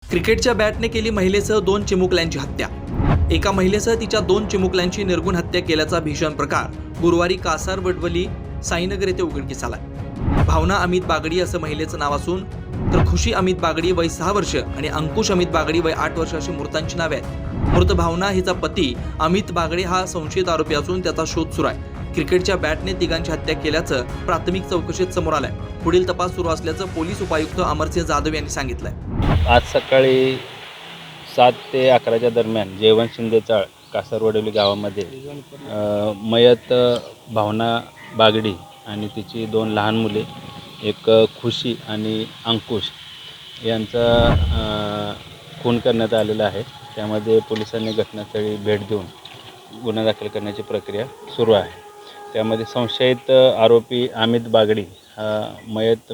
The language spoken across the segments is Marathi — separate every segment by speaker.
Speaker 1: क्रिकेटच्या बॅटने केली महिलेसह 2 चिमुकल्यांची हत्या। एका महिलेसह तिच्या 2 चिमुकल्यांची निर्गुण हत्या केल्याचा भीषण प्रकार गुरुवारी कासार वडवली साईनगर येथे उघडकीस आला। भावना अमित बागडी असं महिलेचं नाव असून तर खुशी अमित बागडी वय 6 वर्ष आणि अंकुश अमित बागडी वय 8 वर्ष अशी मृतांची नावे आहेत। मृत भावना हिचा पती अमित बागडी हा संशयित आरोपी असून त्याचा शोध सुरू आहे। क्रिकेटच्या बॅटने तिघांची हत्या केल्याचं प्राथमिक चौकशीत समोर आलंय। पुढील तपास सुरू असल्याचं पोलीस उपायुक्त अमरसिंह जाधव यांनी सांगितलंय।
Speaker 2: आज सकाळी 7 ते 11च्या दरम्यान जेवण शिंदेचाळ कासारवडवली गावामध्ये मयत भावना बागडी आणि तिची 2 लहान मुले एक खुशी आणि अंकुश यांचा खून करण्यात आलेला आहे। त्यामध्ये पोलिसांनी घटनास्थळी भेट देऊन गुन्हा दाखल करण्याची प्रक्रिया सुरू आहे। त्यामध्ये संशयित आरोपी अमित बागडी हा मयत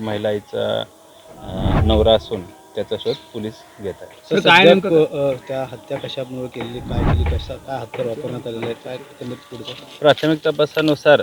Speaker 2: महिलाचा नवरा असून त्याचा शोध पोलीस घेत आहेत।
Speaker 3: काय नेमकं त्या हत्या कशामुळे केली, काय केली, काय हत्यार वापरण्यात आलेले आहे, काय पुढचं
Speaker 2: प्राथमिक तपासानुसार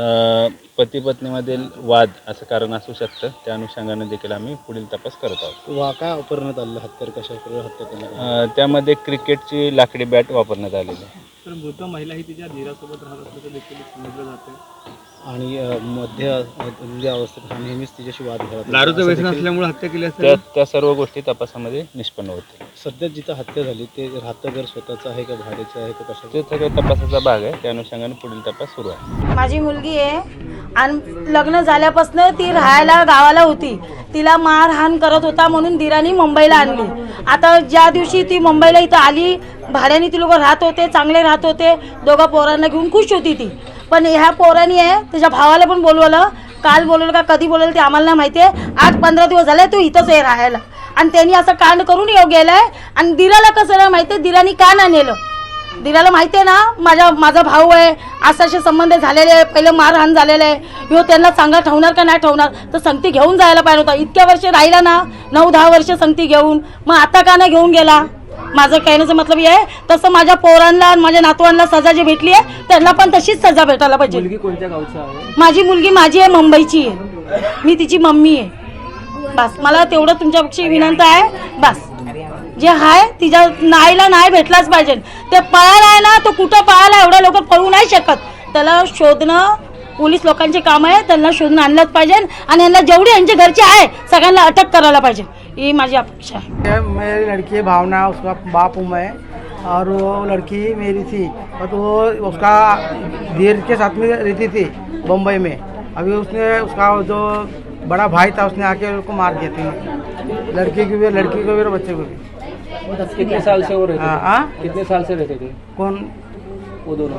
Speaker 2: पती पत्नीमधील वाद असं कारण असू शकतं। त्या अनुषंगाने देखील आम्ही पुढील तपास करत आहोत।
Speaker 3: काय वापरण्यात आलेलं हत्यार, कशाप्रकारे हत्या करण्यात
Speaker 2: त्यामध्ये क्रिकेटची लाकडी बॅट वापरण्यात आलेली आहे।
Speaker 4: तर मृत महिला ही तिच्या धीरासोबत राहत असल्याचं देखील समजलं जातं
Speaker 3: आणि मध्य अवस्थेत नेहमीच तिच्याशी वाद घालत
Speaker 4: दारूचं व्यसन असल्यामुळे हत्या केली असेल।
Speaker 2: त्या सर्व गोष्टी तपासामध्ये निष्पन्न होते।
Speaker 3: सध्या जिथं हत्या झाली ते राहतं घर स्वतःचं आहे का भाड्याचं आहे का कशाचं?
Speaker 2: ते सगळं तपासाचा भाग आहे। त्या अनुषंगाने पुढील तपास सुरू आहे।
Speaker 5: माझी मुलगी आहे आणि लग्न झाल्यापासून ती राहायला गावाला होती। तिला मारहाण करत होता म्हणून दिरानी मुंबईला आणली। आता ज्या दिवशी ती मुंबईला इथं आली, भाड्याने ती लोक राहत होते, चांगले राहत होते, 2 पोरांना घेऊन खुश होती ती। पण ह्या पोरांनी आहे त्याच्या भावाला पण बोलवलं, काल बोलवलं का कधी बोलवलं ते आम्हाला नाही माहिती आहे। 8-15 दिवस झाले तो इथंच आहे राहायला आणि त्यांनी असं कांड करून येऊ गेलाय। आणि दिराला कसं नाही माहिती आहे, दिरानी का नाही नेलं? दिराला माहिती आहे ना माझा भाऊ आहे, असे संबंध झालेले आहे, पहिलं मारहाण झालेलं आहे, ह्यो त्यांना चांगला ठेवणार का नाही ठेवणार, तर संगती घेऊन जायला पाहिजे होता। इतक्या वर्ष राहिला ना, 9-10 वर्ष संगती घेऊन, मग आता का नाही घेऊन गेला? माझं कहण्याचं मतलब हे आहे तसं माझ्या पोरांना आणि माझ्या नातवांना सजा जी भेटली आहे त्यांना पण तशीच सजा भेटायला पाहिजे।
Speaker 4: मुलगी कोणत्या गावची आहे?
Speaker 5: माझी मुलगी माझी आहे, मुंबईची आहे, मी तिची मम्मी आहे। बस मला तेवढं तुमच्यापेक्षा विनंती आहे। बस जे आहे तिच्या नाईला नाही भेटलाच पाहिजे। ते पळायला आहे ना, तो कुठं पळायला, एवढ्या लोक पळू नाही शकत। त्याला शोधणं पोलीस लोकांचे काम आहे, त्यांना शोधून आणलंच पाहिजे आणि यांना जेवढी यांच्या घरची आहे सगळ्यांना अटक करायला पाहिजे, ही माझी अपेक्षा है।
Speaker 6: मेरी लड़की भावना, उसका बाप हूँ मैं, और वो लड़की मेरी थी, और वो उसका धीर के साथ में रहती थी बम्बई में। अभी उसने उसका जो बड़ा भाई था उसने आके उसको मार दिया थी, लड़की को भी और बच्चे को भी।
Speaker 4: कितने साल से वो रहते थे?
Speaker 6: हाँ,
Speaker 4: कितने साल से रहते थे
Speaker 6: कौन?
Speaker 4: वो दोनों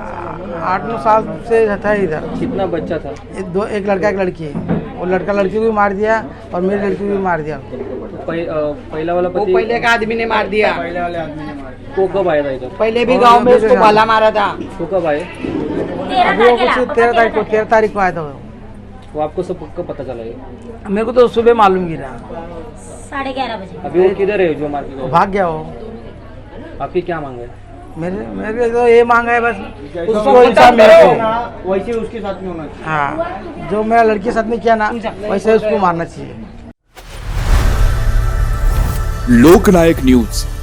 Speaker 6: 8-9 साल से था इधर।
Speaker 4: कितना बच्चा था?
Speaker 6: एक लड़का एक लड़की है। वो लड़का लड़की को भी मार दिया और मेरी लड़की को भी मार दिया।
Speaker 4: पहला वाला पति
Speaker 6: पहले का आदमी ने मार दिया।
Speaker 4: पहले वाले आदमी ने मारा। को कब आया था इधर?
Speaker 6: पहले भी गांव में उसको भाला मारा था।
Speaker 4: वो कब आए?
Speaker 6: अभी वो कुछ 13 तारीख को आया था
Speaker 4: वो आपको सब कब पता चला ये?
Speaker 6: मेरे को तो सुबह मालूम गिरा।
Speaker 5: 11:30 बजे
Speaker 4: अभी वो किधर है जो मार के गया?
Speaker 6: भाग गया वो।
Speaker 4: आपकी क्या मांग है?
Speaker 6: मेरे तो ये मांगा है बस उसको इंसाफ मेरे को,
Speaker 4: वैसे उसके साथ में होना चाहिए।
Speaker 6: हाँ, जो मेरा लड़की के साथ में किया ना वैसे उसको मारना चाहिए।
Speaker 7: लोकनायक न्यूज